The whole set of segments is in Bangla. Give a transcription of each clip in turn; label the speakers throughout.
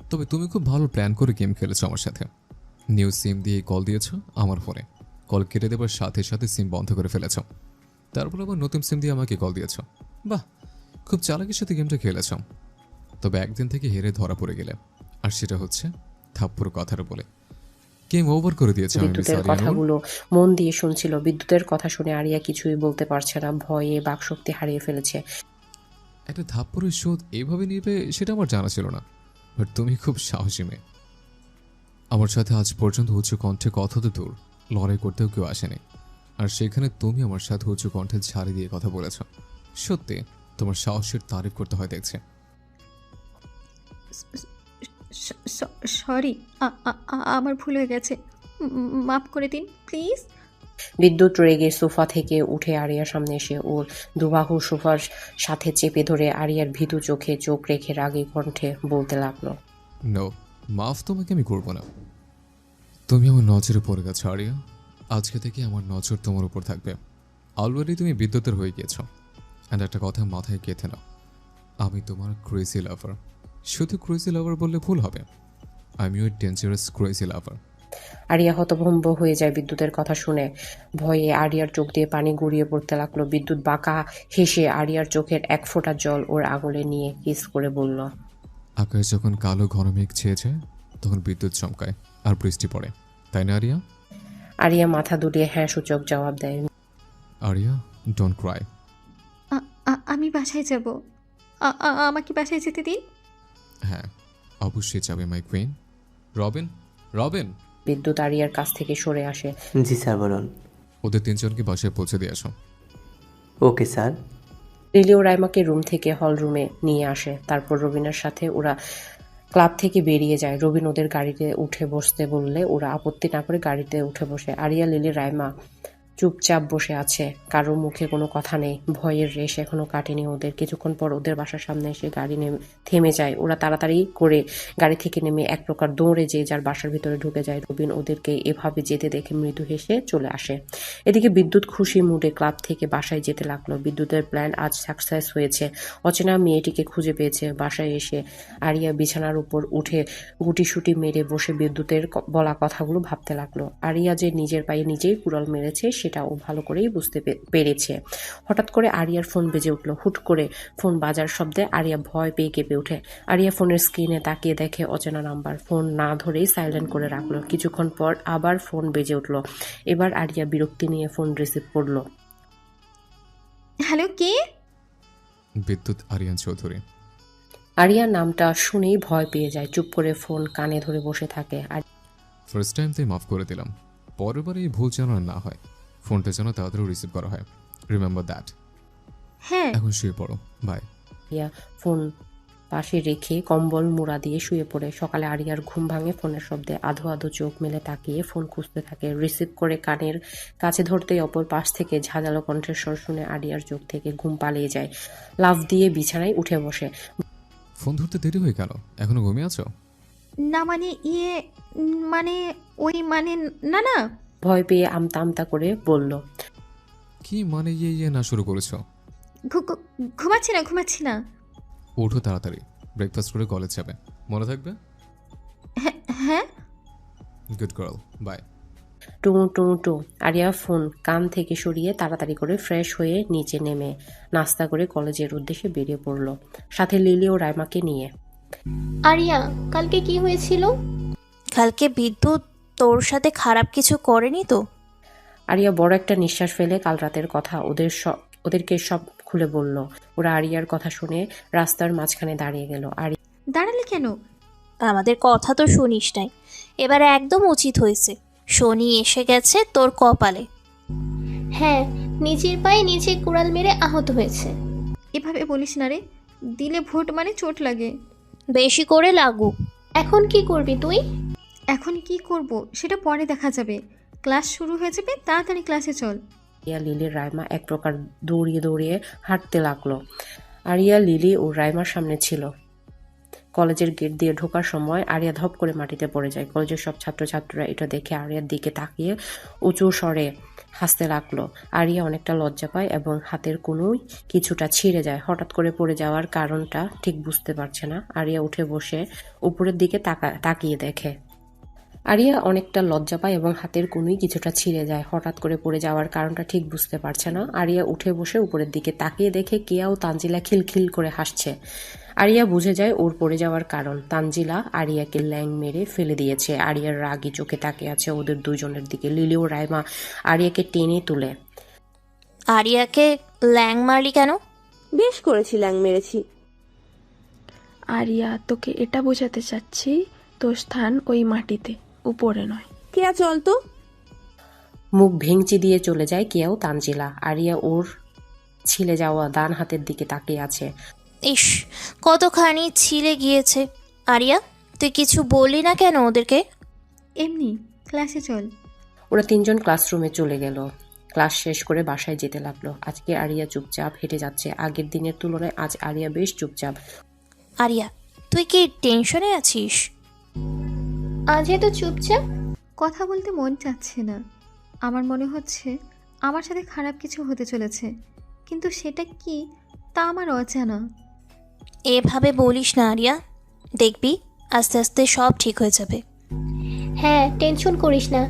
Speaker 1: তবে তুমি খুব ভালো প্ল্যান করে গেম খেলেছো আমার সাথে। নিউ সিম দিয়ে কল দিয়েছো আমার ফোনে, কল কেটে দেবার সাথে সাথে সিম বন্ধ করে ফেলেছো, তারপর আবার নতুন সিম দিয়ে আমাকে কল দিয়েছো। বাহ, খুব চালাকির সাথে গেমটা খেলেছ। তবে একদিন থেকে হেরে ধরা পড়ে গেলে, আর সেটা হচ্ছে থাপ্পড় কথার বলে। গেম ওভার করে দিয়েছে আমি মিস
Speaker 2: বিদ্যুতের
Speaker 1: আরিয়ানুর।
Speaker 2: কথাগুলো মন দিয়ে শুনছিল। বিদ্যুতের কথা শুনে আরিয়া কিছুই বলতে পারছে না, ভয়ে বাকশক্তি হারিয়ে ফেলেছে।
Speaker 1: একটা থাপ্পড়ের শোধ এইভাবে নিবে সেটা আমার জানা ছিল না, বাট তুমি খুব সাহসী মেয়ে। আমার সাথে আজ পর্যন্ত উচ্চ কণ্ঠে কথা তো দূর, লড়াই করতেও কেউ আসেনি, আর সেখানে তুমি আমার সাথে উচ্চ কণ্ঠে ঝাড়ি দিয়ে কথা বলেছ। সত্যি তোমার সাহসের তারিফ করতে হয় দেখছে।
Speaker 3: সরি, আমার ভুল হয়ে গেছে, মাফ করে দিন প্লিজ।
Speaker 2: বিদ্যুৎ রেগে সোফা থেকে উঠে আরিয়ার সামনে এসে ওর দুবাহু সোফার সাথে চেপে ধরে আরিয়ার ভীতু চোখে চোখ রেখে রাগী কণ্ঠে বলতে লাগলো।
Speaker 1: নো, মাফ তোমাকে আমি করবো না। তুমি আমার নজরে পড়ে গেছো আরিয়া, আজকে থেকে আমার নজর তোমার উপর থাকবে। অলরেডি তুমি বিদ্যুতের হয়ে গিয়েছো। অ্যান্ড একটা কথা মাথায় গেঁথে নাও, আমি তোমার ক্রেজি লাভার। শুধু ক্রেজি লাভার বললে ভুল হবে, আমিও ডেঞ্জারাস ক্রেজি লাভার।
Speaker 2: আরিয়া হতভম্ব হয়ে যায় বিদ্যুতের কথা শুনে। ভয়ে আরিয়ার চোখ দিয়ে পানি গড়িয়ে পড়তে লাগলো। বিদ্যুৎ বাঁকা হেসে আরিয়ার চোখের এক ফোঁটা জল ওর আঙুলে নিয়ে কিস করে বলল।
Speaker 1: আকাশ যখন কালো ঘন মেঘ ছেয়ে যায় তখন বিদ্যুৎ চমকায় আর বৃষ্টি পড়ে, তাই না আরিয়া?
Speaker 2: আরিয়া মাথা দুলিয়ে হ্যাঁ সূচক জবাব দেয়।
Speaker 1: Aria, don't cry.
Speaker 3: আমি বাসায় যাব, আমাকে বাসায় যেতে দিন।
Speaker 1: হ্যাঁ, অবশ্যই যাবে মাই কুইন। রবিন, রবিন,
Speaker 2: বিদ্যুৎ আরিয়ার কাছ থেকে সরে আসে।
Speaker 4: জি স্যার, বলুন।
Speaker 1: ওদের তিনজনকে বাসায় পৌঁছে দিয়ে আসো।
Speaker 4: Okay sir.
Speaker 2: লিলি ও রাইমাকে রুম থেকে হল রুমে নিয়ে আসে। তারপর রবিনের সাথে ওরা ক্লাব থেকে বেরিয়ে যায়। রবিন ওদের গাড়িতে উঠে বসতে বললে ওরা আপত্তি না করে গাড়িতে উঠে বসে। আরিয়া, লিলি, রাইমা চুপচাপ বসে আছে, কারোর মুখে কোনো কথা নেই। ভয়ের রেশ এখনো কাটেনি ওদের। কিছুক্ষণ পর ওদের বাসার সামনে এসে গাড়ি থেমে যায়। ওরা তাড়াতাড়ি করে গাড়ি থেকে নেমে এক প্রকার দৌড়ে যে যার বাসার ভিতরে ঢুকে যায়। রবিন ওদেরকে এভাবে যেতে দেখে মৃদু হেসে চলে আসে। এদিকে বিদ্যুৎ খুশি মুডে ক্লাব থেকে বাসায় যেতে লাগলো। বিদ্যুতের প্ল্যান আজ সাকসেস হয়েছে। অচেনা মেয়েটিকে খুঁজে পেয়েছে। বাসায় এসে আরিয়া বিছানার উপর উঠে গুটিসুটি মেরে বসে বিদ্যুতের বলা কথাগুলো ভাবতে লাগলো। আরিয়া যে নিজের পায়ে নিজেই কুড়াল মেরেছে সেটা ও ভালো করেই বুঝতে পেরেছে। হঠাৎ করে আরিয়ার ফোন বেজে উঠল। হুট করে ফোন বাজার শব্দে আরিয়া ভয় পেয়ে কেঁপে ওঠে। আরিয়া ফোনের স্ক্রিনে তাকিয়ে দেখে অচেনা নাম্বার। ফোন না ধরেই সাইলেন্ট করে রাখলো। কিছুক্ষণ পর আবার ফোন বেজে উঠল। এবার আরিয়া বিরক্তি নিয়ে ফোন রিসিভ করলো।
Speaker 3: হ্যালো, কে?
Speaker 1: বিদ্যুৎ আরিয়ান চৌধুরী।
Speaker 2: আরিয়ার নামটা শুনেই ভয় পেয়ে যায়। চুপ করে ফোন কানে ধরে বসে থাকে। আর
Speaker 1: ফার্স্ট টাইম তাই মাফ করে দিলাম, পরের বার এই ভুল যেন আর না হয়। ফোনটা যেন তাড়াতাড়ি রিসিভ করা হয়, রিমেম্বার দ্যাট।
Speaker 3: হ্যাঁ।
Speaker 1: এখন শুয়ে পড়ো, বাই।
Speaker 2: আরিয়া ফোন পাশে রেখে কম্বল মুড়া দিয়ে শুয়ে পড়ে। সকালে আরিয়ার ঘুম ভাঙে ফোনের শব্দে। আধো আধো চোখ মেলে তাকিয়ে ফোন খুঁজতে থাকে। রিসিভ করে কানের কাছে ধরতেই অপর পাশ থেকে ঝাঁঝালো কণ্ঠের স্বর শুনে আরিয়ার চোখ থেকে ঘুম পালিয়ে যায়। লাফ দিয়ে বিছানায় উঠে বসে।
Speaker 1: ফোন ধরতে দেরি হয়ে গেল, এখনো ঘুমিয়ে আছো?
Speaker 3: না মানে ইয়ে, মানে ওই মানে, না না।
Speaker 2: ভয় পেয়ে আমতা আমতা করে বলল।
Speaker 1: কি মানে ইয়ে ইয়ে না শুরু করেছো?
Speaker 3: ঘুমাচ্ছি না, ঘুমাচ্ছি না।
Speaker 1: ওঠো তাড়াতাড়ি, ব্রেকফাস্ট করে কলেজ যাবে, মনে থাকবে?
Speaker 3: হ্যাঁ।
Speaker 1: Good girl, bye.
Speaker 2: টু টু টু। আরিয়া ফোন কান থেকে সরিয়ে তাড়াতাড়ি করে ফ্রেশ হয়ে নিচে নেমে নাস্তা করে কলেজের উদ্দেশ্যে বেরিয়ে পড়ল, সাথে লিলি ও রাইমাকে নিয়ে।
Speaker 5: আরিয়া, কালকে কি হয়েছিল?
Speaker 6: কালকে বিদ্যুৎ তোর সাথে খারাপ কিছু করেনি তো?
Speaker 2: আরিয়া বড় একটা নিঃশ্বাস ফেলে কাল রাতের কথা ওদেরকে সব খুলে বলল। ওরা আরিয়ার কথা শুনে রাস্তার মাঝখানে দাঁড়িয়ে গেল।
Speaker 3: দাঁড়ালে কেন?
Speaker 6: আমাদের কথা তো শুনিস নাই, এবার একদম উচিত হয়েছে। শনি এসে গেছে তোর কপালে।
Speaker 5: হ্যাঁ, নিজের পায়ে নিজে কুড়াল মেরে আহত হয়েছে।
Speaker 3: এভাবে বলিস না রে, দিলে ভোট মানে চোট লাগে।
Speaker 6: বেশি করে লাগুক।
Speaker 5: এখন কি করবি তুই?
Speaker 3: এখন কি করব সেটা পরে দেখা যাবে। ক্লাস শুরু হয়ে যাবে, তাড়াতাড়ি ক্লাসে চল।
Speaker 2: আরিয়া, লিলি, রাইমা এক প্রকার দৌড়িয়ে দৌড়িয়ে হাঁটতে লাগলো। আরিয়া, লিলি ও রাইমার সামনে ছিল। কলেজের গেট দিয়ে ঢোকার সময় আরিয়া ধপ করে মাটিতে পড়ে যায়। কলেজের সব ছাত্রছাত্রীরা এটা দেখে আরিয়ার দিকে তাকিয়ে উঁচু স্বরে হাসতে লাগলো। আরিয়া অনেকটা লজ্জা পায় এবং হাতের কোনোই কিছুটা ছিঁড়ে যায়। হঠাৎ করে পড়ে যাওয়ার কারণটা ঠিক বুঝতে পারছে না। আরিয়া উঠে বসে উপরের দিকে তাকিয়ে দেখে। আরিয়া অনেকটা লজ্জা পায় এবং হাতের কোনোই কিছুটা ছিঁড়ে যায়। হঠাৎ করে পড়ে যাওয়ার কারণটা ঠিক বুঝতে পারছে না। আরিয়া উঠে বসে উপরের দিকে তাকিয়ে দেখে কেয়া ও তানজিলা খিলখিল করে হাসছে। আরিয়া বুঝে যায় ওর পড়ে যাওয়ার কারণ। তানজিলা আরিয়াকে ল্যাং মেরে ফেলে দিয়েছে। আরিয়ার রাগী চোখে তাকিয়ে আছে ওদের দুজনের দিকে। লিলি ও রাইমা আরিয়াকে টেনে তুলে।
Speaker 6: আরিয়াকে ল্যাং মারলি কেন?
Speaker 7: বেশ করেছি, ল্যাং মেরেছি।
Speaker 8: আরিয়া, তোকে এটা বোঝাতে চাচ্ছি তোর স্থান ওই মাটিতে, উপরে নয়।
Speaker 7: কেয়া চল তো।
Speaker 2: মুখ ভেঙচি দিয়ে চলে যায় কেয়াও তানজিলা। আরিয়া ওর ছিলে যাওয়া ডান হাতের দিকে তাকিয়ে আছে।
Speaker 6: ইস, কতখানি ছিলে গিয়েছে। আরিয়া, তুই কিছু বললি না কেন ওদেরকে?
Speaker 3: এমনি, ক্লাসে চল।
Speaker 2: ওরা তিনজন ক্লাসরুমে চলে গেল। ক্লাস শেষ করে বাসায় যেতে লাগলো। আজকে আরিয়া চুপচাপ হেঁটে যাচ্ছে। আগের দিনের তুলনায় আজ আরিয়া বেশ চুপচাপ।
Speaker 6: আরিয়া, তুই কি টেনশনে আছিস?
Speaker 5: আজ এত চুপচাপ?
Speaker 3: কথা বলতে মন চাচ্ছে না। আমার মনে হচ্ছে আমার সাথে খারাপ কিছু হতে চলেছে, কিন্তু সেটা কি তা আমার অজানা।
Speaker 6: এভাবে বলিস না আরিয়া, দেখবি আস্তে আস্তে সব ঠিক হয়ে যাবে।
Speaker 5: হ্যাঁ, টেনশন করিস না।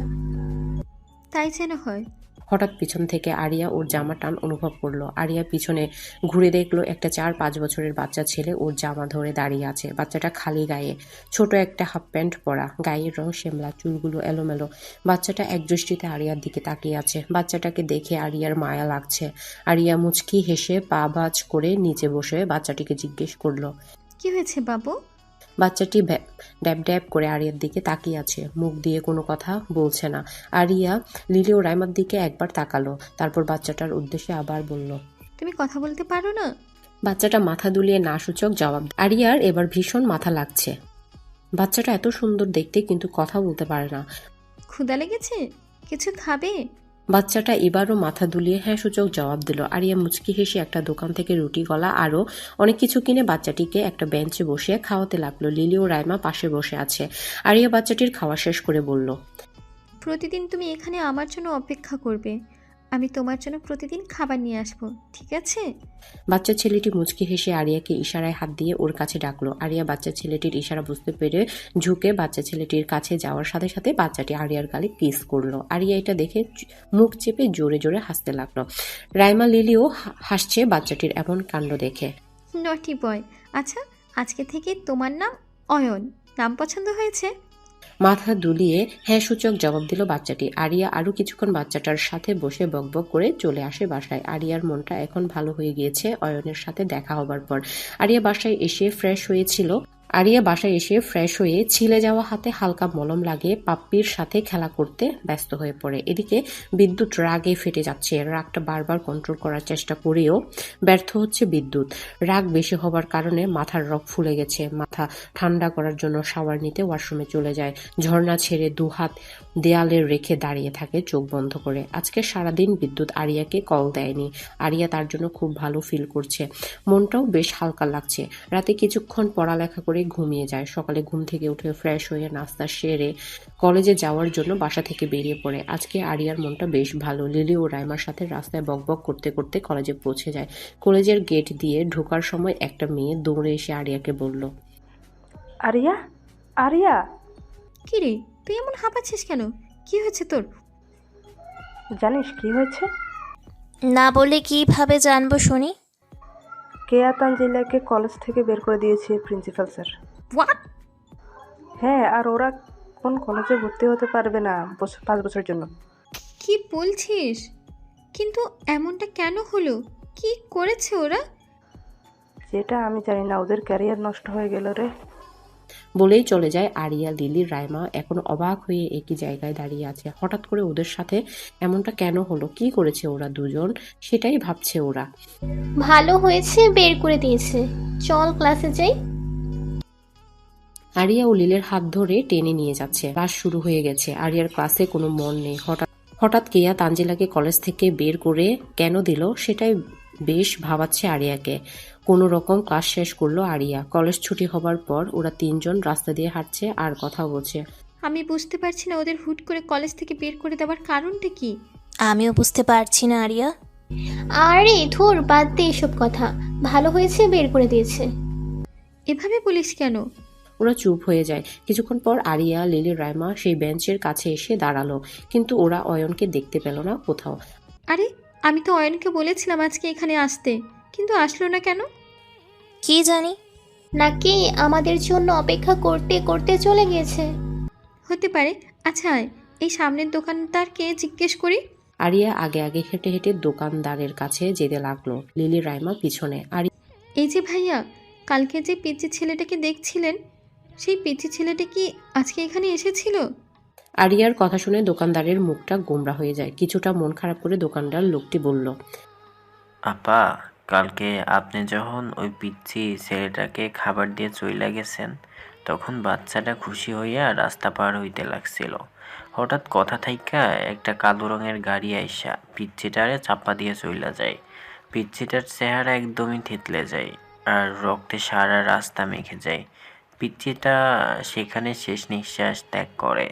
Speaker 3: তাই যেন হয়।
Speaker 2: হঠাৎ পিছন থেকে আরিয়া ওর জামা টান অনুভব করলো। আরিয়া পিছনে ঘুরে দেখলো একটা 4-5 বছরের বাচ্চা ছেলে ওর জামা ধরে দাঁড়িয়ে আছে। বাচ্চাটা খালি গায়ে, ছোট একটা হাফ প্যান্ট পরা, গায়ের রং শ্যামলা, চুলগুলো এলোমেলো। বাচ্চাটা একদৃষ্টিতে আরিয়ার দিকে তাকিয়ে আছে। বাচ্চাটাকে দেখে আরিয়ার মায়া লাগছে। আরিয়া মুচকি হেসে পা ভাঁজ করে নিচে বসে বাচ্চাটিকে জিজ্ঞেস করলো,
Speaker 3: কি হয়েছে বাবু?
Speaker 2: বাচ্চাটি ড্যাব ড্যাব করে আরিয়ার দিকে তাকিয়ে আছে, মুখ দিয়ে কোনো কথা বলছে না। আরিয়া লিলি ও রাইমার দিকে একবার তাকালো, তারপর বাচ্চাটার উদ্দেশ্যে আবার বলল,
Speaker 3: তুমি কথা বলতে পারো না?
Speaker 2: বাচ্চাটা মাথা দুলিয়ে না সূচক জবাব। আরিয়ার এবার ভীষণ মাথা লাগছে। বাচ্চাটা এত সুন্দর দেখতে কিন্তু কথা বলতে পারে না।
Speaker 3: ক্ষুধা লেগেছে? কিছু খাবে?
Speaker 2: বাচ্চাটা এবারও মাথা দুলিয়ে হ্যাঁ সূচক জবাব দিল। আরিয়া মুচকি হেসে একটা দোকান থেকে রুটি, কলা আরও অনেক কিছু কিনে বাচ্চাটিকে একটা বেঞ্চে বসিয়ে খাওয়াতে লাগলো। লিলি ও রাইমা পাশে বসে আছে। আরিয়া বাচ্চাটির খাওয়া শেষ করে বলল,
Speaker 3: প্রতিদিন তুমি এখানে আমার জন্য অপেক্ষা করবে। আমি তোমার জন্য প্রতিদিন খাবার নিয়ে আসবো, ঠিক আছে?
Speaker 2: বাচ্চা ছেলেটি মুচকি হেসে আরিয়াকে ইশারায় হাত দিয়ে ওর কাছে ডাকলো। আরিয়া বাচ্চা ছেলেটির ইশারা বুঝতে পেরে ঝুঁকে বাচ্চা ছেলেটির কাছে যাওয়ার সাথে সাথে বাচ্চাটি আরিয়ার গালে কিস করলো। আরিয়া এটা দেখে মুখ চেপে জোরে জোরে হাসতে লাগলো। রাইমা লিলিও হাসছে বাচ্চাটির এমন কাণ্ড দেখে।
Speaker 3: নটি বয়। আচ্ছা, আজকে থেকে তোমার নাম অয়ন। নাম পছন্দ হয়েছে?
Speaker 2: মাথা দুলিয়ে হ্যাঁ সূচক জবাব দিল বাচ্চাটি। আরিয়া আরো কিছুক্ষণ বাচ্চাটার সাথে বসে বকবক করে চলে আসে বাসায়। আরিয়ার মনটা এখন ভালো হয়ে গিয়েছে অয়নের সাথে দেখা হবার পর। আরিয়া বাসায় এসে ফ্রেশ হয়ে ছিলে যাওয়া হাতে হালকা মলম লাগিয়ে পাপ্পির সাথে খেলা করতে ব্যস্ত হয়ে পড়ে। এদিকে বিদ্যুৎ রাগে ফেটে যাচ্ছে। রাগটা বারবার কন্ট্রোল করার চেষ্টা করেও ব্যর্থ হচ্ছে বিদ্যুৎ। রাগ বেশি হবার কারণে মাথার রগ ফুলে গেছে। মাথা ঠান্ডা করার জন্য শাওয়ার নিতে ওয়াশরুমে চলে যায়। ঝর্ণা ছেড়ে দুহাত দেয়ালে রেখে দাঁড়িয়ে থাকে চোখ বন্ধ করে। আজকে সারাদিন বিদ্যুৎ আরিয়াকে কল দেয়নি। আরিয়া তার জন্য খুব ভালো ফিল করছে। মনটাও বেশ হালকা লাগছে। রাতে কিছুক্ষণ পড়ালেখা করে ঘুমিয়ে যায়। সকালে ঘুম থেকে উঠে ফ্রেশ হয়ে নাস্তা সেরে কলেজে যাওয়ার জন্য বাসা থেকে বেরিয়ে পড়ে। আজকে আরিয়ার মনটা বেশ ভালো। লিলি ও রাইমার সাথে রাস্তায় বকবক করতে করতে কলেজে পৌঁছে যায়। কলেজের গেট দিয়ে ঢোকার সময় একটা মেয়ে দৌড়ে এসে আরিয়াকে বলল,
Speaker 8: আরিয়া, আরিয়া।
Speaker 3: কি রে, তুই এমন হাঁপাচ্ছিস কেন? কি হয়েছে তোর?
Speaker 8: জানিস কি হয়েছে?
Speaker 6: না বলে কিভাবে জানবো শুনি?
Speaker 8: কেয়া তানজিলাকে কলেজ থেকে বের করে দিয়েছে প্রিন্সিপাল স্যার।
Speaker 3: হোয়াট?
Speaker 8: হ্যাঁ, আর ওরা কোন কলেজে ভর্তি হতে পারবে না 5 বছরের জন্য।
Speaker 3: কি বলছিস? কিন্তু এমনটা কেন হলো? কি করেছে ওরা?
Speaker 8: যেটা আমি জানি না, ওদের ক্যারিয়ার নষ্ট হয়ে গেল রে।
Speaker 2: বলেই চলে যায় আরিয়া। লিলি রাইমা এখন অবাক হয়ে একই জায়গায় দাঁড়িয়ে আছে। হঠাৎ করে ওদের সাথে এমনটা কেন হলো? কি করেছে ওরা দুজন? সেটাই ভাবছে ওরা।
Speaker 5: ভালো হয়েছে বের করে দিয়েছে। চল ক্লাসে যাই।
Speaker 2: আরিয়া ও লিলের হাত ধরে টেনে নিয়ে যাচ্ছে। ক্লাস শুরু হয়ে গেছে। আরিয়ার ক্লাসে কোনো মন নেই। হঠাৎ কেয়া তানজিলাকে কলেজ থেকে বের করে কেন দিল সেটাই বেশ ভাবাচ্ছে আরিয়াকে। কোনো রকম ক্লাস শেষ করলো আরিয়া। কলেজ ছুটি হবার পর ওরা তিনজন রাস্তা দিয়ে হাঁটছে আর কথা বলছে।
Speaker 3: আমি বুঝতে পারছি না ওদের হুট করে কলেজ থেকে বের করে দেওয়ার কারণটা কি।
Speaker 6: আমিও বুঝতে পারছি না আরিয়া।
Speaker 5: আরে ধুর, বাদ দে এসব কথা। ভালো হয়েছে বের করে দিয়েছে।
Speaker 3: এভাবে বলিস কেন?
Speaker 2: ওরা চুপ হয়ে যায়। কিছুক্ষণ পর আরিয়া, লিলি, রাইমা সেই বেঞ্চের কাছে এসে দাঁড়ালো, কিন্তু ওরা অয়নকে দেখতে পেল না কোথাও।
Speaker 3: আরে আমি তো অয়নকে বলেছিলাম আজকে এখানে আসতে, কিন্তু আসলো না কেন?
Speaker 6: কি জানি।
Speaker 5: নাকি আমাদের জন্য অপেক্ষা করতে করতে চলে গিয়েছে।
Speaker 3: হতে পারে। আচ্ছা এই সামনের দোকানদারকে জিজ্ঞেস করি।
Speaker 2: আরিয়া আগে আগে হেঁটে হেঁটে দোকানদারের কাছে যেতে লাগলো, লিলি রাইমা পিছনে।
Speaker 3: এই যে ভাইয়া, কালকে যে পিচ্চি ছেলেটাকে দেখছিলেন, সেই পিচ্চি ছেলেটা কি আজকে এখানে এসেছিল?
Speaker 2: আরিয়ার কথা শুনে দোকানদারের মুখটা গোমড়া হয়ে যায়। কিছুটা মন খারাপ করে দোকানদার লোকটি বলল,
Speaker 9: আপা, কালকে আপনি যখন ওই পিচ্চি ছেলেটাকে খাবার দিয়ে চইলা গেছেন, তখন বাচ্চাটা খুশি হইয়া রাস্তা পার হইতে লাগছিল। হঠাৎ কথা থাইকা একটা কালো রঙের গাড়ি আইসা পিচ্চিটারে চাপা দিয়ে চইলা যায়। পিচ্চিটার চেহারা একদমই থেতলে যায় আর রক্তে সারা রাস্তা মেখে যায়। পিচ্চিটা সেখানে শেষ নিঃশ্বাস ত্যাগ করে।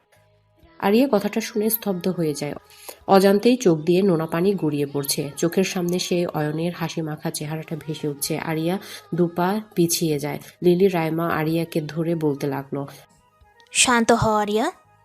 Speaker 2: আরিয়া কথাটা শুনে স্তব্ধ হয়ে যায়। অজান্তেই চোখ দিয়ে নোনা পানি গড়িয়ে পড়ছে। চোখের সামনে সে অয়নের হাসি মাখা চেহারাটা ভেসে উঠছে। আরিয়া দুপা পিছিয়ে যায়। লিলি রাইমা আরিয়াকে ধরে বলতে লাগলো,
Speaker 6: শান্ত হ আরিয়া।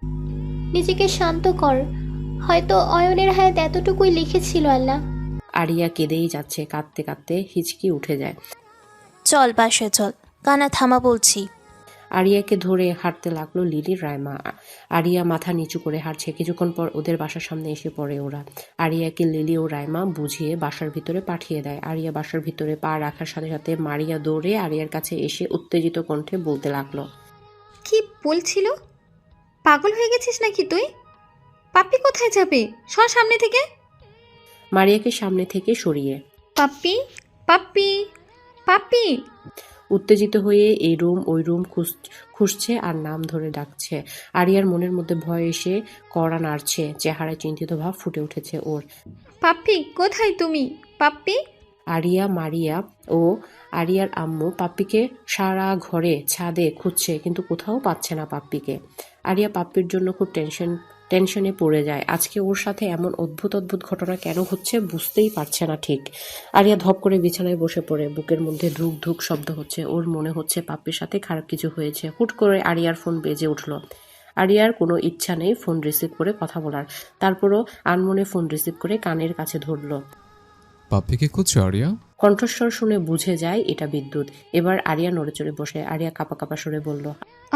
Speaker 5: নিজেকে শান্ত কর। হয়তো অয়নের হায়াত এতটুকুই লিখেছিল আল্লাহ।
Speaker 2: আরিয়া কেঁদেই যাচ্ছে। কাঁদতে কাঁদতে হিচকি উঠে যায়।
Speaker 6: চল বাসায় চল, কানা থামা বলছি।
Speaker 2: আরিয়াকে ধরে হাঁটতে লাগলো লিলি রাইমা। আরিয়া মাথা নিচু করে হাঁটছে। কিছুক্ষণ পর ওদের বাসার সামনে এসে পড়ে ওরা। আরিয়াকে লিলি ও রাইমা বুঝিয়ে বাসার ভিতরে পাঠিয়ে দেয়। আরিয়া বাসার ভিতরে পা রাখার সাথে সাথে মারিয়া দৌড়ে আরিয়ার কাছে এসে উত্তেজিত কণ্ঠে বলতে লাগলো,
Speaker 3: কি বলছিল? পাগল হয়ে গেছিস নাকি তুই? পাপ্পি কোথায় যাবে? সর সামনে থেকে।
Speaker 2: মারিয়াকে সামনে থেকে সরিয়ে।
Speaker 3: পাপ্পি, পাপ্পি, পাপ্পি।
Speaker 2: উত্তেজিত হয়ে এই রুম ওই রুম খুঁজছে আর নাম ধরে ডাকছে। আরিয়ার মনের মধ্যে ভয় এসে কড়া নাড়ছে। চেহারায় চিন্তিত ভাব ফুটে উঠেছে ওর।
Speaker 3: পাপ্পি কোথায় তুমি? পাপ্পি।
Speaker 2: আরিয়া, মারিয়া ও আরিয়ার আম্মু পাপ্পিকে সারা ঘরে ছাদে খুঁজছে, কিন্তু কোথাও পাচ্ছে না পাপ্পিকে। আরিয়া পাপ্পির জন্য খুব টেনশনে পড়ে যায়। আজকে ওর সাথে এমন অদ্ভুত অদ্ভুত ঘটনা কেন হচ্ছে বুঝতেই পারছে না ঠিক। আরিয়া ধপ করে বিছানায় বসে পড়ে। বুকের মধ্যে ধুক ধুক শব্দ হচ্ছে। ওর মনে হচ্ছে পাপ্পির সাথে খারাপ কিছু হয়েছে। হুট করে আরিয়ার ফোন বেজে উঠলো। আরিয়ার কোনো ইচ্ছা নেই ফোন রিসিভ করে কথা বলার, তারপরও আনমনে ফোন রিসিভ করে কানের কাছে ধরলো।
Speaker 1: পাপ্পিকে খুঁজছো আরিয়া?
Speaker 2: কণ্ঠস্বর শুনে বুঝে যায় এটা বিদ্যুৎ। এবার আরিয়া নড়ে চড়ে বসে। আরিয়া কাঁপা কাঁপা সরে বলল,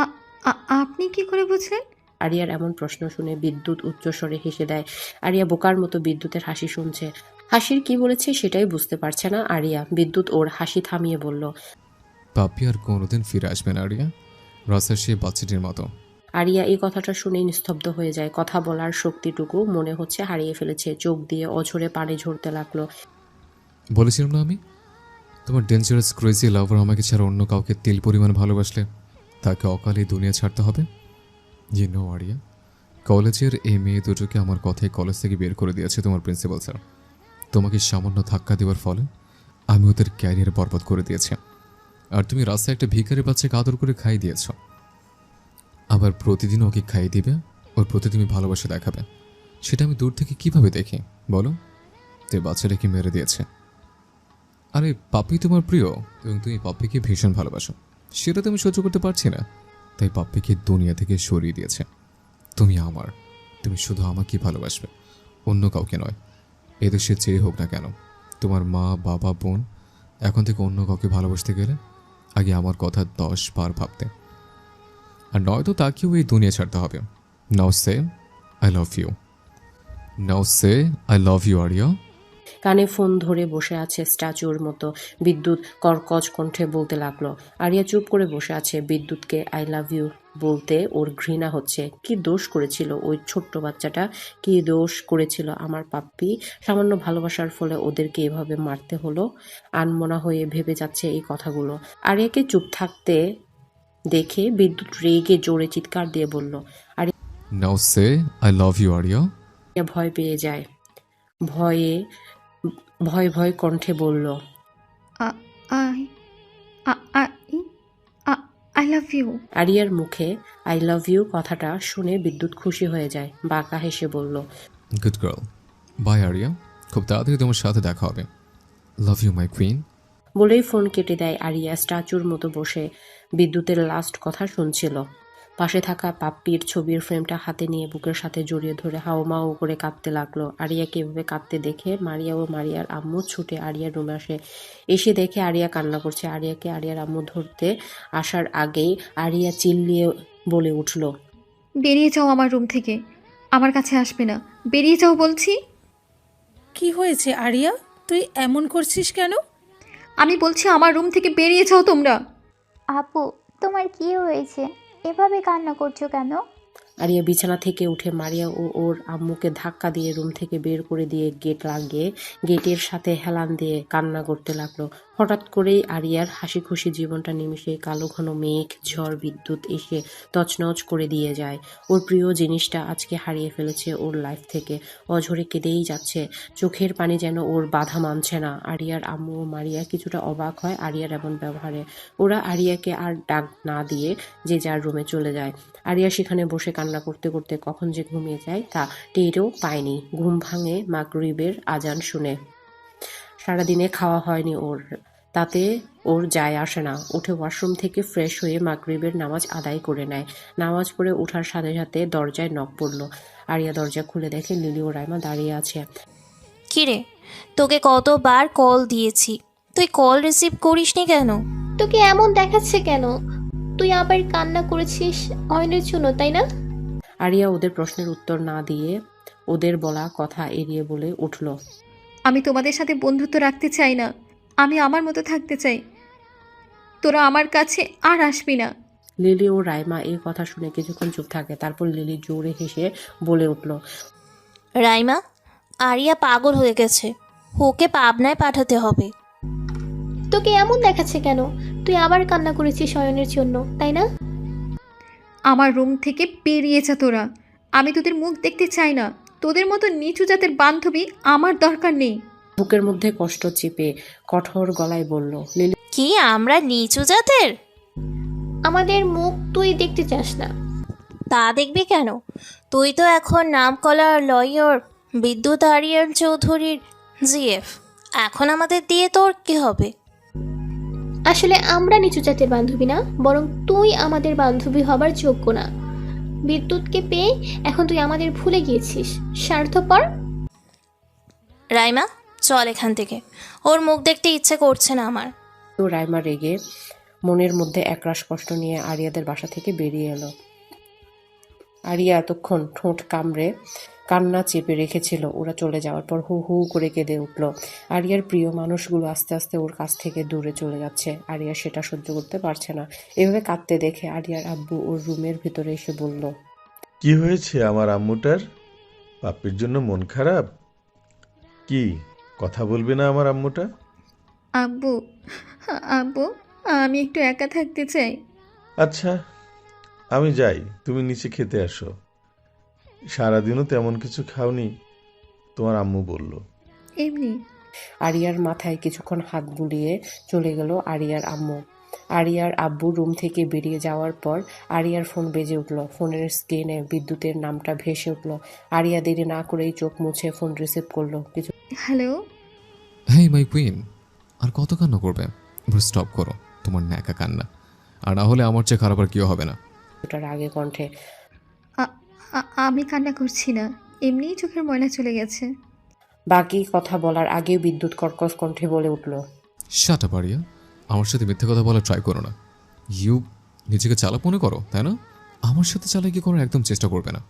Speaker 3: আপনি কি করে বুঝলেন?
Speaker 2: আরিয়ার এমন প্রশ্ন শুনে বিদ্যুৎ উচ্চস্বরে হেসে দেয়। আরিয়া বোকার মতো বিদ্যুতের হাসি শুনছে। হাসির কি বলেছে সেটাই বুঝতে পারছে না আরিয়া। বিদ্যুৎ ওর হাসি থামিয়ে বলল,
Speaker 1: পাপ্পি আর কোনোদিন ফিরে আসবে না আরিয়া, রাস্তার সেই বাচ্চাটির মতো।
Speaker 2: আরিয়া এই কথাটা শুনেই নিস্তব্ধ হয়ে যায়। কথা বলার শক্তিটুকু মনে হচ্ছে হারিয়ে ফেলেছে। চোখ দিয়ে অঝরে পানি ঝরতে লাগলো।
Speaker 1: বলেছিলাম না আমি, তোমার ডেঞ্জারাস ক্রেজি লাভার আমাকে ছাড়া অন্য কাউকে তিল পরিমাণ ভালোবাসলে তাকে অকালে দুনিয়া ছাড়তে হবে। নো আরিয়া, কলেজের এই মেয়ে দুটোকে আমার কথায় কলেজ থেকে বের করে দিয়েছে তোমার প্রিন্সিপাল স্যার। তোমাকে সামান্য ধাক্কা দেওয়ার ফলে আমি ওদের ক্যারিয়ার বরবাদ করে দিয়েছি। আর তুমি রাস্তায় একটা ভিখারি বাচ্চাকে আদর করে খাইয়ে দিয়েছ। আবার প্রতিদিন ওকে খাইয়ে দিবে, ওর প্রতি তুমি ভালোবাসা দেখাবে। সেটা আমি দূর থেকে কিভাবে দেখি বলো? তো বাচ্চাটাকে মেরে দিয়েছে। আরে পাপ্পি তোমার প্রিয় এবং তুমি পাপ্পিকে ভীষণ ভালোবাসো, সেটা তুমি সহ্য করতে পারছি না, তাই পাপ্পিকে দুনিয়া থেকে সরিয়ে দিয়েছে। তুমি আমার, তুমি শুধু আমাকে ভালোবাসবে, অন্য কাউকে নয়। এদেশে চেয়ে হোক না কেন, তোমার মা বাবা বোন এখন থেকে অন্য কাউকে ভালোবাসতে গেলে আগে আমার কথা 10 বার ভাবতে, আর নয়তো তাকেও এই দুনিয়া ছাড়তে হবে। Now say I love you, now say I love you Aria.
Speaker 2: কানে ফোন ধরে বসে আছে স্ট্যাচুর মতো। বিদ্যুৎ কর্কশ কণ্ঠে বলতে লাগলো। আরিয়া চুপ করে বসে আছে। বিদ্যুৎকে আই লাভ ইউ বলতে ওর ঘৃণা হচ্ছে। কি দোষ করেছিল ওই ছোট্ট বাচ্চাটা? কি দোষ করেছিল আমার পাপ্পি? সামান্য ভালোবাসার ফলে ওদেরকে এভাবে মারতে হলো। আনমনা হয়ে ভেবে যাচ্ছে এই কথাগুলো। আরিয়াকে চুপ থাকতে দেখে বিদ্যুৎ রেগে জোরে চিৎকার দিয়ে বলল।
Speaker 1: Now say I love you Aria.
Speaker 2: Aria ভয় পেয়ে যায়। ভয় ভয় কণ্ঠে বলল,
Speaker 3: আই লাভ ইউ।
Speaker 2: আরিয়ার মুখে আই লাভ ইউ কথাটা শুনে বিদ্যুৎ খুশি হয়ে যায়। বাঁকা হেসে বলল,
Speaker 1: গুড গার্ল। বাই আরিয়া, খুব তাড়াতাড়ি তোমার সাথে দেখা হবে। Love you my queen.
Speaker 2: বলেই ফোন কেটে দেয় আরিয়া স্ট্যাচুর মতো বসে বিদ্যুতের লাস্ট কথা শুনছিল। পাশে থাকা পাপ্পির ছবির ফ্রেমটা হাতে নিয়ে বুকের সাথে জড়িয়ে ধরে হাওমাও করে কাঁদতে লাগলো। আরিয়াকে এভাবে কাঁদতে দেখে মারিয়া ও মারিয়ার আম্মু ছুটে আরিয়ার রুমে আসে। এসে দেখে আরিয়া কান্না করছে। আরিয়াকে আরিয়ার আম্মু ধরতে আসার আগেই আরিয়া চিল্লিয়ে বলে উঠল,
Speaker 3: বেরিয়ে যাও আমার রুম থেকে, আমার কাছে আসবে না, বেরিয়ে যাও বলছি।
Speaker 10: কি হয়েছে আরিয়া, তুই এমন করছিস কেন?
Speaker 3: আমি বলছি আমার রুম থেকে বেরিয়ে যাও তোমরা।
Speaker 5: আপু, তোমার কি হয়েছে? এভাবে কান্না করছো কেন?
Speaker 2: আরিয়া বিছানা থেকে উঠে মারিয়া ও ওর আম্মুকে ধাক্কা দিয়ে রুম থেকে বের করে দিয়ে গেট লাগিয়ে গেটের সাথে হেলান দিয়ে কান্না করতে লাগলো। হঠাৎ করেই আরিয়ার হাসি খুশি জীবনটা নিমিষে কালো ঘন মেঘ, ঝড়, বিদ্যুৎ এসে তছনছ করে দিয়ে যায়। ওর প্রিয় জিনিসটা আজকে হারিয়ে ফেলেছে ওর লাইফ থেকে। অঝরে কেঁদেই যাচ্ছে, চোখের পানি যেন ওর বাধা মানছে না। আরিয়ার আম্মু ও মারিয়া কিছুটা অবাক হয় আরিয়ার এমন ব্যবহারে। ওরা আরিয়াকে আর ডাক না দিয়ে যে যার রুমে চলে যায়। আরিয়া সেখানে বসে কান্না করতে করতে কখন যে ঘুমিয়ে যায় তা টেরও পায়নি। ঘুম ভাঙে মাগরিবের আজান শুনে। সারাদিনে খাওয়া হয়নি ওর, তাতে ওর যায় আসে না। উঠে ওয়াশরুম থেকে ফ্রেশ হয়ে মাগরিবের নামাজ আদায় করে নেয়। নামাজ পড়ে ওঠার সাথে সাথে দরজায় নক পড়ল। আরিয়া দরজা খুলে দেখে লিলি ও রাইমা দাঁড়িয়ে আছে।
Speaker 6: কিরে, তোকে কতবার কল দিয়েছি, তুই কল রিসিভ করিসনি কেন?
Speaker 5: তোকে এমন দেখাচ্ছে কেন? তুই আবার কান্না করেছিস অয়নের জন্য, তাই না?
Speaker 2: আরিয়া ওদের প্রশ্নের উত্তর না দিয়ে ওদের বলা কথা এড়িয়ে বলে উঠল,
Speaker 3: আমি তোমাদের সাথে বন্ধুত্ব রাখতে চাই না, আমি আমার মতো থাকতে চাই, তোরা আমার কাছে আর আসবি না।
Speaker 2: লিলি ও রাইমা এই কথা শুনে কিছুক্ষণ চুপ থাকে। তারপর লিলি জোরে হেসে বলে উঠল,
Speaker 6: রাইমা, আরিয়া পাগল হয়ে গেছে, ওকে পাবনায় পাঠাতে হবে।
Speaker 5: তোকে এমন দেখাচ্ছে কেন? তুই আবার কান্না করেছিস অয়নের জন্য, তাই না?
Speaker 3: আমার রুম থেকে বেরিয়ে যা তোরা, আমি তোদের মুখ দেখতে চাই না, তোদের মতো নিচু জাতের বান্ধবী আমার দরকার নেই।
Speaker 2: বুকের মধ্যে কষ্ট চেপে কঠোর গলায় বলল, লিলি
Speaker 6: কি আমরা নিচু জাতের?
Speaker 5: আমাদের মুখ তুই দেখতে চাস না?
Speaker 6: তা দেখবি কেন? তুই তো এখন নামকরা লয়ার বিদ্যুৎ আরিয়ান চৌধুরীর জিএফ। এখন আমাদের দিয়ে তোর কি হবে?
Speaker 5: আসলে আমরা নিচু জাতের বান্ধবী না, বরং তুই আমাদের বান্ধবী হবার যোগ্য না। বিদ্যুৎকে পেয়ে এখন তুই আমাদের ভুলে গিয়েছিস, স্বার্থপর।
Speaker 6: রাইমা, চল এখান থেকে, ওর মুখ দেখতে ইচ্ছে করছে না আমার।
Speaker 2: ও রাইমা রেগে মনের মধ্যে একরাশ কষ্ট নিয়ে আরিয়াদের বাসা থেকে বেরিয়ে এলো। আরিয়া এতক্ষণ ঠোঁট কামড়ে কান্না চেপে রেখেছিল। ওরা চলে যাওয়ার পর হু হু করে কেঁদে উঠল। আরিয়ার প্রিয় মানুষগুলো আস্তে আস্তে ওর কাছ থেকে দূরে চলে যাচ্ছে। আরিয়া সেটা সহ্য করতে পারছে না। এভাবে কাঁদতে দেখে আরিয়ার আব্বু ওর রুমের ভিতরে এসে বলল,
Speaker 11: কি হয়েছে আমার আম্মুটার? পাপ্পির জন্য মন খারাপ? কি কথা বলবে না আমার আম্মুটা?
Speaker 3: আব্বু, আব্বু, আমি একটু একা থাকতে চাই।
Speaker 11: আচ্ছা, আমি যাই, তুমি নিচে খেতে আসো। সারাদিনও তেমন কিছু খাওনি, তোমার আম্মু বলল।
Speaker 3: এমনি।
Speaker 2: আরিয়ার মাথায় কিছুক্ষণ হাত বুলিয়ে চলে গেল আরিয়ার আম্মু। আরিয়ার আব্বু রুম থেকে বেরিয়ে যাওয়ার পর আরিয়ার ফোন বেজে উঠল। ফোনের স্ক্রিনে বিদ্যুতের নামটা ভেসে উঠল। আরিয়া দেরি না করেই চোখ মুছে ফোন রিসিভ করলো। কিছু
Speaker 3: হ্যালো।
Speaker 1: হেই মাই কুইন, আর কত কান্না করবে? স্টপ করো তোমার ন্যাকা কান্না, আর না হলে আমার চেয়ে খারাপ আর কেউ হবে না।
Speaker 2: কিছুটা রাগে কণ্ঠে,
Speaker 3: আমি কান্না করছি না, এমনিই চোখের ময়লা চলে গেছে।
Speaker 2: বাকি কথা বলার আগে বিদ্যুৎ কর্কশ কণ্ঠে বলে উঠল,
Speaker 1: শাট আপ আরিয়া, আমার সাথে মিথ্যে কথা বলা ট্রাই করো না। ইউ নিজেকে চালাক মনে করো, তাই না? আমার সাথে চালাকি করার একদম চেষ্টা করবে না।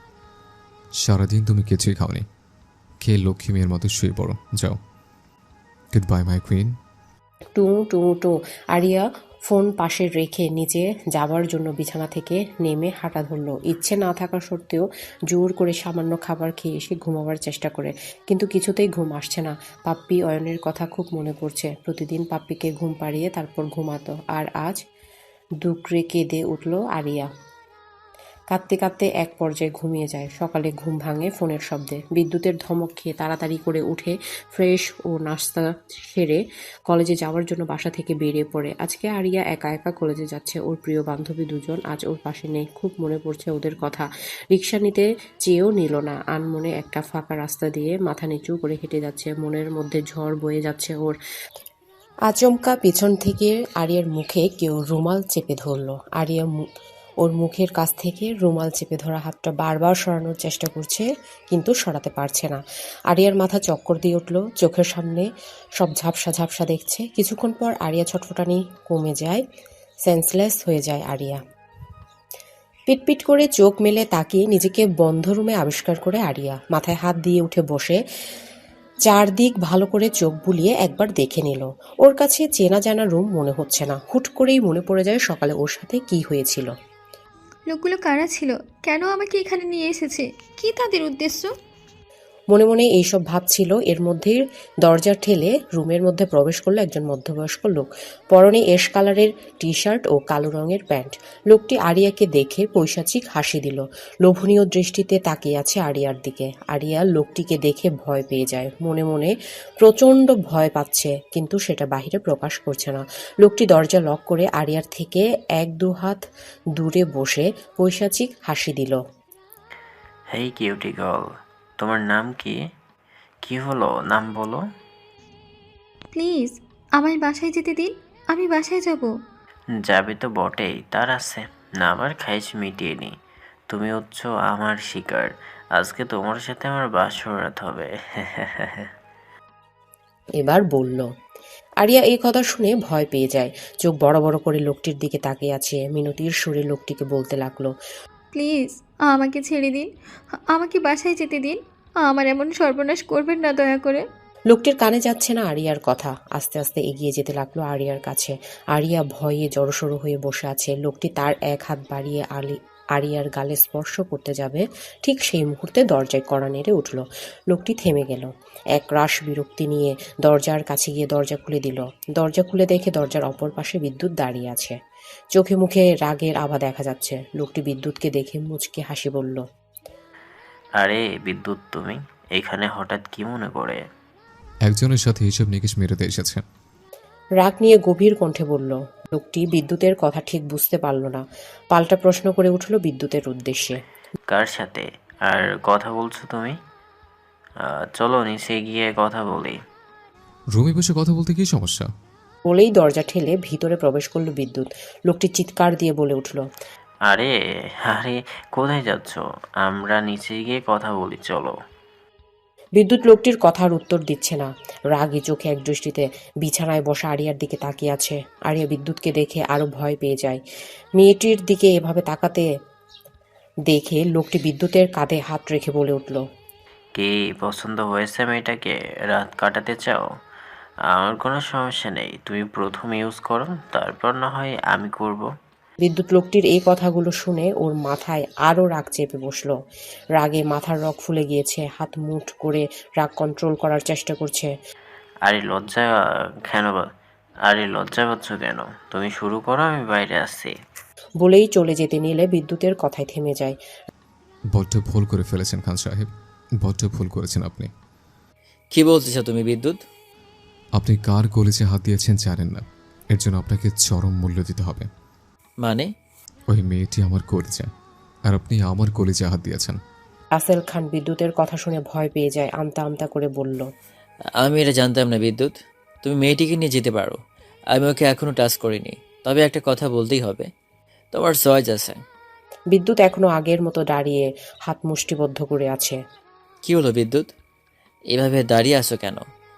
Speaker 1: সারাদিন তুমি কিছুই খাওনি, খেয়ে লক্ষ্মী মেয়ের মতো শুয়ে পড়ো। যাও, গুড বাই মাই কুইন।
Speaker 2: টু টু টু। আরিয়া ফোন পাশে রেখে নিচে যাবার জন্য বিছানা থেকে নেমে হাঁটা ধরল। ইচ্ছে না থাকা সত্ত্বেও জোর করে সামান্য খাবার খেয়ে এসে ঘুমাবার চেষ্টা করে, কিন্তু কিছুতেই ঘুম আসছে না। পাপ্পি অয়নের কথা খুব মনে পড়ছে। প্রতিদিন পাপ্পিকে ঘুম পাড়িয়ে তারপর ঘুমাতো, আর আজ দুকরে কেঁদে উঠল আরিয়া। কাঁদতে কাঁদতে এক পর্যায়ে ঘুমিয়ে যায়। সকালে ঘুম ভাঙে ফোনের শব্দে। বিদ্যুতের ধমক খেয়ে তাড়াতাড়ি করে উঠে ফ্রেশ ও নাস্তা সেরে কলেজে যাওয়ার জন্য বাসা থেকে বেরিয়ে পড়ে। আজকে আরিয়া একা একা কলেজে যাচ্ছে। ওর প্রিয় বান্ধবী দুজন আজ ওর পাশে নেই। খুব মনে পড়ছে ওদের কথা। রিক্সা নিতে চেয়েও নিল না। আনমনে একটা ফাঁকা রাস্তা দিয়ে মাথা নিচু করে হেঁটে যাচ্ছে। মনের মধ্যে ঝড় বয়ে যাচ্ছে ওর। আচমকা পিছন থেকে আরিয়ার মুখে কেউ রুমাল চেপে ধরল। আরিয়া ওর মুখের কাছ থেকে রুমাল চেপে ধরা হাতটা বারবার সরানোর চেষ্টা করছে, কিন্তু সরাতে পারছে না। আরিয়ার মাথা চক্কর দিয়ে উঠল। চোখের সামনে সব ঝাপসা ঝাপসা দেখছে। কিছুক্ষণ পর আরিয়া ছটফটানি কমে যায়। সেন্সলেস হয়ে যায় আরিয়া। পিটপিট করে চোখ মেলে তাকিয়ে নিজেকে বন্ধ রুমে আবিষ্কার করে আরিয়া মাথায় হাত দিয়ে উঠে বসে চারদিক ভালো করে চোখ বুলিয়ে একবার দেখে নিল। ওর কাছে চেনা জানা রুম মনে হচ্ছে না। হুট করেই মনে পড়ে যায় সকালে ওর সাথে কি হয়েছিল।
Speaker 3: লোকগুলো কারা ছিল? কেন আমাকে এখানে নিয়ে এসেছে? কি তাদের উদ্দেশ্য?
Speaker 2: মনে মনে এইসব ভাবছিল। এর মধ্যেই দরজা ঠেলে রুমের মধ্যে প্রবেশ করলো একজন মধ্যবয়স্ক লোক। পরনে এশ কালারের টি শার্ট ও কালো রঙের প্যান্ট। লোকটি আরিয়াকে দেখে পৈশাচিক হাসি দিল। লোভনীয় দৃষ্টিতে তাকিয়ে আছে আরিয়ার দিকে। আরিয়া লোকটিকে দেখে ভয় পেয়ে যায়। মনে মনে প্রচণ্ড ভয় পাচ্ছে, কিন্তু সেটা বাহিরে প্রকাশ করছে না। লোকটি দরজা লক করে আরিয়ার থেকে 1-2 হাত দূরে বসে পৈশাচিক হাসি দিল।
Speaker 9: হেই কিউটি গার্ল, তোমার নাম কি? কি হলো, নাম বলো।
Speaker 3: প্লিজ আমায় বাসায় যেতে দিন, আমি বাসায় যাব।
Speaker 9: যাবে তো বটেই, তার আছে না আমার খাইশ মিটিয়ে নি। তুমি হচ্ছ আমার শিকার। আজকে তোমার সাথে আমার বাসর রাত হবে।
Speaker 2: এবার বলল। আরিয়া এই কথা শুনে ভয় পেয়ে যায়। চোখ বড় বড় করে লোকটির দিকে তাকিয়ে আছে। মিনতির সুরে লোকটিকে বলতে লাগলো,
Speaker 3: প্লিজ আমাকে ছেড়ে দিন, আমাকে বাসায় যেতে দিন। আমার এমন সর্বনাশ করবেন না দয়া করে।
Speaker 2: লোকটির কানে যাচ্ছে না আরিয়ার কথা। আস্তে আস্তে এগিয়ে যেতে লাগলো আরিয়ার কাছে। আরিয়া ভয়ে জড়সড় হয়ে বসে আছে। লোকটি তার এক হাত বাড়িয়ে আরিয়ার গালে স্পর্শ করতে যাবে, ঠিক সেই মুহূর্তে দরজায় কড়া নেড়ে উঠল। লোকটি থেমে গেল। এক রাশ বিরক্তি নিয়ে দরজার কাছে গিয়ে দরজা খুলে দিল। দরজা খুলে দেখে দরজার অপর পাশে বিদ্যুৎ দাঁড়িয়ে আছে। চোখে মুখে রাগের আভা দেখা যাচ্ছে। লোকটি বিদ্যুৎকে দেখে মুচকে হাসি বলল,
Speaker 9: আরে বিদ্যুৎ, তুমি এখানে হঠাৎ কি মনে করে?
Speaker 1: একজনের সাথে হিসেব নিকেশ মেরেতে এসেছে।
Speaker 2: রাগ নিয়ে গভীর কণ্ঠে বলল। লোকটি বিদ্যুতের কথা ঠিক বুঝতে পারল না। পাল্টা প্রশ্ন করে উঠল বিদ্যুতের উদ্দেশ্যে,
Speaker 9: কার সাথে আর কথা বলছো তুমি? চলো নিচে গিয়ে কথা বলি।
Speaker 1: রুমে বসে কথা বলতে কি সমস্যা?
Speaker 2: বলেই দরজা ঠেলে ভিতরে প্রবেশ করলো বিদ্যুৎ। লোকটি চিৎকার দিয়ে বলে উঠল,
Speaker 9: আরে আরে, কোথায় যাচ্ছ? আমরা নিচে গিয়ে কথা বলি, চলো।
Speaker 2: বিদ্যুৎ লোকটির কথার উত্তর দিচ্ছে না। রাগী চোখে এক দৃষ্টিতে বিছানায় বসা আরিয়ার দিকে তাকিয়ে আছে। আরিয়া বিদ্যুৎকে দেখে আরো ভয় পেয়ে যায়। মেয়েটির দিকে এভাবে তাকাতে দেখে লোকটি বিদ্যুতের কাঁধে হাত রেখে বলে উঠল,
Speaker 9: কি পছন্দ হয়েছে মেয়েটাকে? রাত কাটাতে চাও? আমার কোনো সমস্যা নেই, তুমি প্রথম ইউজ করো, তারপর না হয় আমি করব।
Speaker 2: বিদ্যুৎ লোকটির এই কথাগুলো শুনে ওর মাথায় আরো রাগ চেপে বসলো। রাগে মাথার রগ ফুলে গিয়েছে। হাত মুঠ করে রাগ কন্ট্রোল করার চেষ্টা করছে।
Speaker 9: আরে লজ্জা কেন আরে লজ্জা পাচ্ছ কেন? তুমি শুরু করো, আমি বাইরে আসছি।
Speaker 2: বলেই চলে যেতে নিলে বিদ্যুতের কথায় থেমে যায়।
Speaker 1: বড্ড ভুল করে ফেলেছেন খান সাহেব, বড্ড ভুল করেছেন আপনি।
Speaker 12: কি বলতেছ তুমি বিদ্যুৎ?
Speaker 1: আপনি কার কলেজে হাত দিয়েছেন জানেন না, এর জন্য আপনাকে চরম মূল্য দিতে হবে।
Speaker 12: মানে?
Speaker 1: ওই মেয়েটি আমার কলেজে, আর আপনি আমার কলেজে হাত দিয়েছেন।
Speaker 2: রাসেল খান বিদ্যুতের কথা শুনে ভয় পেয়ে যায়। আমতা আমতা করে বলল,
Speaker 12: আমি এটা জানতাম না বিদ্যুৎ। তুমি মেয়েটিকে নিয়ে যেতে পারো, আমি ওকে এখনো টাচ করিনি। তবে একটা কথা বলতেই হবে, তোমার চয়েস আছে।
Speaker 2: বিদ্যুৎ এখনো আগের মতো দাঁড়িয়ে হাত মুষ্টিবদ্ধ করে আছে।
Speaker 12: কি হলো বিদ্যুৎ, এভাবে দাঁড়িয়ে আছো কেন?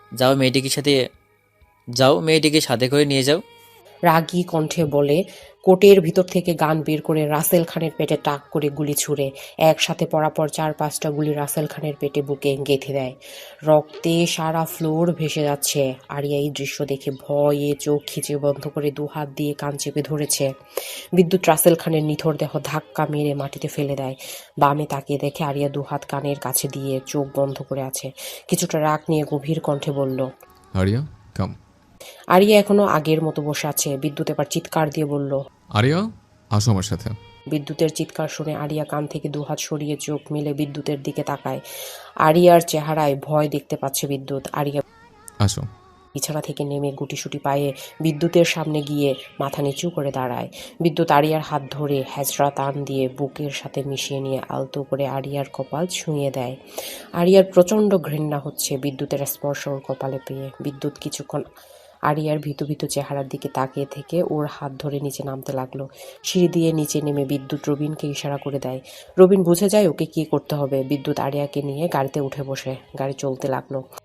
Speaker 12: যাও মেয়েটিকে সাথে করে নিয়ে যাও।
Speaker 2: রাগী কণ্ঠে বলে কোটের ভিতর থেকে গান বের করে রাসেল খানের পেটে টাক করে গুলি ছুড়ে একসাথে পরাপর 4-5টা গুলি রাসেল খানের পেটে বুকে গেঁথে দেয়। রক্তে সারা ফ্লোর ভেসে যাচ্ছে। আরিয়া এই দৃশ্য দেখে ভয়ে চোখ খিচে বন্ধ করে 2 হাত দিয়ে কান চেপে ধরেছে। বিদ্যুৎ রাসেল খানের নিথর দেহ ধাক্কা মেরে মাটিতে ফেলে দেয়। বামে তাকিয়ে দেখে আরিয়া 2 হাত কানের কাছে দিয়ে চোখ বন্ধ করে আছে। কিছুটা রাগ নিয়ে গভীর কণ্ঠে বলল,
Speaker 1: আরিয়া কাম।
Speaker 2: আরিয়া এখনো আগের মতো বসে আছে। বিদ্যুৎ এবার চিৎকার দিয়ে বলল,
Speaker 1: আরিয়া আসো আমার সাথে।
Speaker 2: বিদ্যুতের চিৎকার শুনে আরিয়া কান থেকে দুহাত সরিয়ে চোখ মেলে বিদ্যুতের দিকে তাকায়। আরিয়ার চেহারায় ভয় দেখতে পাচ্ছে বিদ্যুৎ। আরিয়া
Speaker 1: আসো।
Speaker 2: বিছানা থেকে নেমে গুটিসুটি পায়ে বিদ্যুতের সামনে গিয়ে মাথা নিচু করে দাঁড়ায়। বিদ্যুৎ আরিয়ার হাত ধরে হ্যাচড়া টান দিয়ে বুকের সাথে মিশিয়ে নিয়ে আলতো করে আরিয়ার কপাল ছুঁয়ে দেয়। আরিয়ার প্রচণ্ড ঘৃণা হচ্ছে বিদ্যুতের স্পর্শ ওর কপালে পেয়ে। বিদ্যুৎ কিছুক্ষণ আরিয়ার ভীতু ভীতু চেহারার দিকে তাকিয়ে থেকে ওর হাত ধরে নিচে নামতে লাগলো। সিঁড়ি দিয়ে নিচে নেমে বিদ্যুৎ রবিনকে ইশারা করে দেয়। রবিন বুঝে যায় ওকে কী করতে হবে। বিদ্যুৎ আরিয়াকে নিয়ে গাড়িতে উঠে বসে। গাড়ি চলতে লাগলো।